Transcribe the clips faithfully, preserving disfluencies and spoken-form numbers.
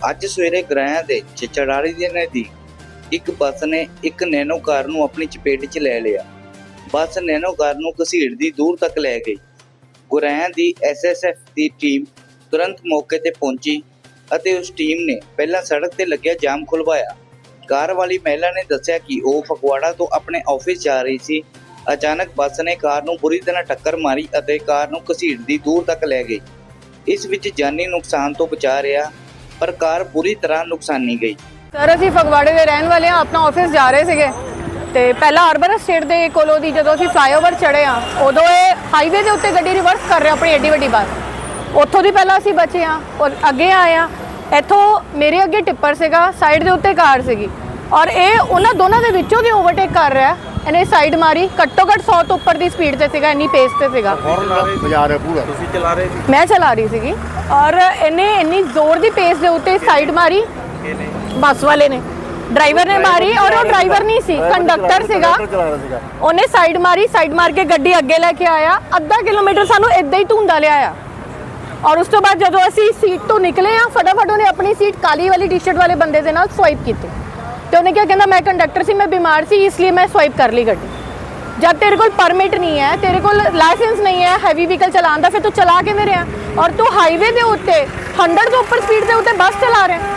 ਅੱਜ ਸਵੇਰੇ ਗਰਾਇਆ ਦੇ ਚਚੜਾੜੀ ਦੇ ਨਜ਼ਦੀਕ ਇੱਕ ਬੱਸ ਨੇ ਇੱਕ ਨੈਨੋ ਕਾਰ ਨੂੰ ਆਪਣੀ ਚਪੇਟ 'ਚ ਲੈ ਲਿਆ। ਬੱਸ ਨੈਨੋ ਕਾਰ ਨੂੰ ਘਸੀੜਦੀ ਦੂਰ ਤੱਕ ਲੈ ਗਈ। ਗੁਰਾਇਆ ਦੀ ਐਸ ਐਸ ਐਫ ਦੀ ਟੀਮ ਤੁਰੰਤ ਮੌਕੇ ਤੇ ਪਹੁੰਚੀ ਅਤੇ ਉਸ ਟੀਮ ਨੇ ਪਹਿਲਾਂ ਸੜਕ ਤੇ ਲੱਗਿਆ ਜਾਮ ਖੁਲਵਾਇਆ। ਕਾਰ ਵਾਲੀ ਮਹਿਲਾ ਨੇ ਦੱਸਿਆ ਕਿ ਉਹ ਫਗਵਾੜਾ ਤੋਂ ਆਪਣੇ ਆਫਿਸ ਜਾ ਰਹੀ ਸੀ। ਅਚਾਨਕ ਬੱਸ ਨੇ ਕਾਰ ਨੂੰ ਬੁਰੀ ਤਰ੍ਹਾਂ ਟੱਕਰ ਮਾਰੀ ਅਤੇ ਕਾਰ ਨੂੰ ਘਸੀੜਦੀ ਦੂਰ ਤੱਕ ਲੈ ਗਈ। ਇਸ ਵਿੱਚ ਜਾਨੀ ਨੁਕਸਾਨ ਤੋਂ ਬਚਾ ਰਿਹਾ, ਪਰ ਕਾਰ ਬੁਰੀ ਤਰ੍ਹਾਂ ਨੁਕਸਾਨੀ ਗਈ। ਸਰ ਅਸੀਂ ਫਗਵਾੜੇ ਦੇ ਰਹਿਣ ਵਾਲੇ ਹਾਂ, ਆਪਣਾ ਆਫਿਸ ਜਾ ਰਹੇ ਸੀਗੇ ਤੇ ਪਹਿਲਾਂ ਅਰਬਨ ਸਟੇਟ ਦੇ ਕੋਲੋਂ ਦੀ ਜਦੋਂ ਅਸੀਂ ਫਲਾਈਓਵਰ ਚੜ੍ਹੇ ਆ, ਉਦੋਂ ਇਹ ਹਾਈਵੇ ਦੇ ਉੱਤੇ ਗੱਡੀ ਰਿਵਰਸ ਕਰ ਰਿਹਾ ਆਪਣੀ ਏਡੀ ਵੱਡੀ ਬੱਸ। ਉੱਥੋਂ ਦੀ ਪਹਿਲਾਂ ਅਸੀਂ ਬਚੇ ਆ ਔਰ ਅੱਗੇ ਆਏ ਆ। ਇੱਥੋਂ ਮੇਰੇ ਅੱਗੇ ਟਿੱਪਰ ਸੀਗਾ, ਸਾਈਡ ਦੇ ਉੱਤੇ ਕਾਰ ਸੀਗੀ ਔਰ ਇਹ ਉਹਨਾਂ ਦੋਨਾਂ ਦੇ ਵਿੱਚੋਂ ਦੀ ਓਵਰਟੇਕ ਕਰ ਰਿਹਾ। ਇਹਨੇ ਸਾਈਡ ਮਾਰੀ, ਘੱਟੋ ਘੱਟ ਸੌ ਤੋਂ ਉੱਪਰ ਦੀ ਸਪੀਡ ਤੇ ਸੀਗਾ, ਇੰਨੀ ਪੇਸ ਤੇ ਸੀਗਾ। ਤੁਸੀਂ ਚਲਾ ਰਹੇ ਸੀ? ਮੈਂ ਚਲਾ ਰਹੀ ਸੀਗੀ ਔਰ ਇਹਨੇ ਇੰਨੀ ਜ਼ੋਰ ਦੀ ਪੇਸ ਦੇ ਉੱਤੇ ਸਾਈਡ ਮਾਰੀ। ਬੱਸ ਵਾਲੇ ਨੇ, ਡਰਾਈਵਰ ਨੇ ਮਾਰੀ ਔਰ ਉਹ ਡਰਾਈਵਰ ਨਹੀਂ ਸੀ, ਕੰਡਕਟਰ ਸੀਗਾ। ਉਹਨੇ ਸਾਈਡ ਮਾਰੀ, ਸਾਈਡ ਮਾਰ ਕੇ ਗੱਡੀ ਅੱਗੇ ਲੈ ਕੇ ਆਇਆ। ਅੱਧਾ ਕਿਲੋਮੀਟਰ ਸਾਨੂੰ ਇੱਦਾਂ ਹੀ ਧੁੰਦਾ ਲਿਆਇਆ ਔਰ ਉਸ ਤੋਂ ਬਾਅਦ ਜਦੋਂ ਅਸੀਂ ਸੀਟ ਤੋਂ ਨਿਕਲੇ ਆ, ਫਟਾਫਟ ਉਹਨੇ ਆਪਣੀ ਸੀਟ ਕਾਲੀ ਵਾਲੀ ਟੀ-ਸ਼ਰਟ ਵਾਲੇ ਬੰਦੇ ਦੇ ਨਾਲ ਸਵਾਈਪ ਕੀਤੀ ਤੇ ਉਹਨੇ ਕਿਹਾ, ਕਹਿੰਦਾ ਮੈਂ ਕੰਡਕਟਰ ਸੀ, ਮੈਂ ਬਿਮਾਰ ਸੀ, ਇਸ ਲਈ ਮੈਂ ਸਵਾਈਪ ਕਰ ਲਈ ਗੱਡੀ। ਜਦ ਤੇਰੇ ਕੋਲ ਪਰਮਿਟ ਨਹੀਂ ਹੈ, ਤੇਰੇ ਕੋਲ ਲਾਇਸੈਂਸ ਨਹੀਂ ਹੈ ਹੈਵੀ ਵਹੀਕਲ ਚਲਾਉਣ ਦਾ, ਫਿਰ ਤੂੰ ਚਲਾ ਕਿਵੇਂ ਰਿਹਾ? ਔਰ ਤੂੰ ਹਾਈਵੇ ਦੇ ਉੱਤੇ ਸੌ ਤੋਂ ਉੱਪਰ ਸਪੀਡ ਦੇ ਉੱਤੇ ਬੱਸ ਚਲਾ ਰਿਹਾ।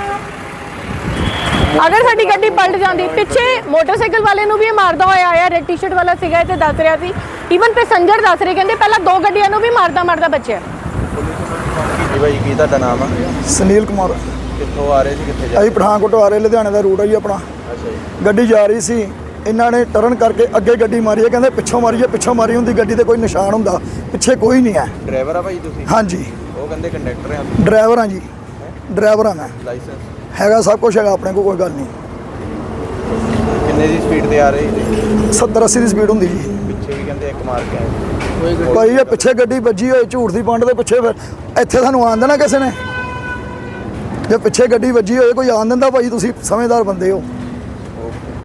ਅਗਰ ਸਾਡੀ ਗੱਡੀ ਪਲਟ ਜਾਂਦੀ, ਪਿੱਛੇ ਮੋਟਰਸਾਈਕਲ ਵਾਲੇ ਨੂੰ ਵੀ ਇਹ ਮਾਰਦਾ ਹੋਇਆ ਆਇਆ। ਰੈਡ ਟੀ-ਸ਼ਰਟ ਵਾਲਾ ਸੀਗਾ ਤੇ ਦੱਸ ਰਿਹਾ ਸੀ, ਈਵਨ ਪੈਸੰਜਰ ਦੱਸ ਰਹੇ, ਕਹਿੰਦੇ ਪਹਿਲਾਂ ਦੋ ਗੱਡੀਆਂ ਨੂੰ ਵੀ ਮਾਰਦਾ ਮਾਰਦਾ ਬਚਿਆ। ਜੀ ਭਾਈ, ਕੀ ਤੁਹਾਡਾ ਨਾਮ ਆ? ਸੁਨੀਲ ਕੁਮਾਰ। ਕਿੱਥੋਂ ਆ ਰਹੇ ਸੀ, ਕਿੱਥੇ ਜਾ ਅਸੀਂ ਪਠਾਨਕੋਟ ਆ ਰਹੇ, ਲੁਧਿਆਣੇ ਦਾ ਰੂਟ ਹੈ ਜੀ ਆਪਣਾ। ਅੱਛਾ ਜੀ। ਗੱਡੀ ਜਾ ਰਹੀ ਸੀ, ਇਹਨਾਂ ਨੇ ਟਰਨ ਕਰਕੇ ਅੱਗੇ ਗੱਡੀ ਮਾਰੀ ਹੈ। ਕਹਿੰਦੇ ਪਿੱਛੋਂ ਮਾਰੀ ਹੈ, ਪਿੱਛੋਂ ਮਾਰੀ ਹੁੰਦੀ ਗੱਡੀ ਤੇ ਕੋਈ ਨਿਸ਼ਾਨ ਹੁੰਦਾ, ਪਿੱਛੇ ਕੋਈ ਨਹੀਂ ਹੈ। ਡਰਾਈਵਰ ਆ ਭਾਈ ਤੁਸੀਂ? ਹਾਂਜੀ। ਉਹ ਕਹਿੰਦੇ ਕੰਡਕਟਰ ਆ। ਡਰਾਈਵਰ ਹਾਂ ਜੀ, ਡਰਾਈਵਰ ਹਾਂ ਮੈਂ। ਲਾਇਸੈਂਸ ਹੈਗਾ, ਸਭ ਕੁਝ ਹੈਗਾ ਆਪਣੇ ਕੋਲ, ਕੋਈ ਗੱਲ ਨਹੀਂ। ਕਿੰਨੇ ਦੀ ਸਪੀਡ ਤੇ ਆ ਰਹੇ ਸੀ? ਸੱਤਰ ਅੱਸੀ ਦੀ ਸਪੀਡ ਹੁੰਦੀ ਜੀ। ਪਿੱਛੇ ਵੀ ਕਹਿੰਦੇ ਇੱਕ ਮਾਰ ਕੇ ਆਏ। ਭਾਈ ਇਹ ਪਿੱਛੇ ਗੱਡੀ ਵੱਜੀ ਹੋਈ ਝੂਠ ਦੀ ਪੰਡ ਦੇ ਪਿੱਛੇ, ਫਿਰ ਇੱਥੇ ਸਾਨੂੰ ਆਉਣ ਦੇਣਾ ਕਿਸੇ ਨੇ? ਜੇ ਪਿੱਛੇ ਗੱਡੀ ਵੱਜੀ ਹੋਏ ਕੋਈ ਆਉਣ ਦਿੰਦਾ? ਭਾਈ ਤੁਸੀਂ ਸਮਝਦਾਰ ਬੰਦੇ ਹੋ।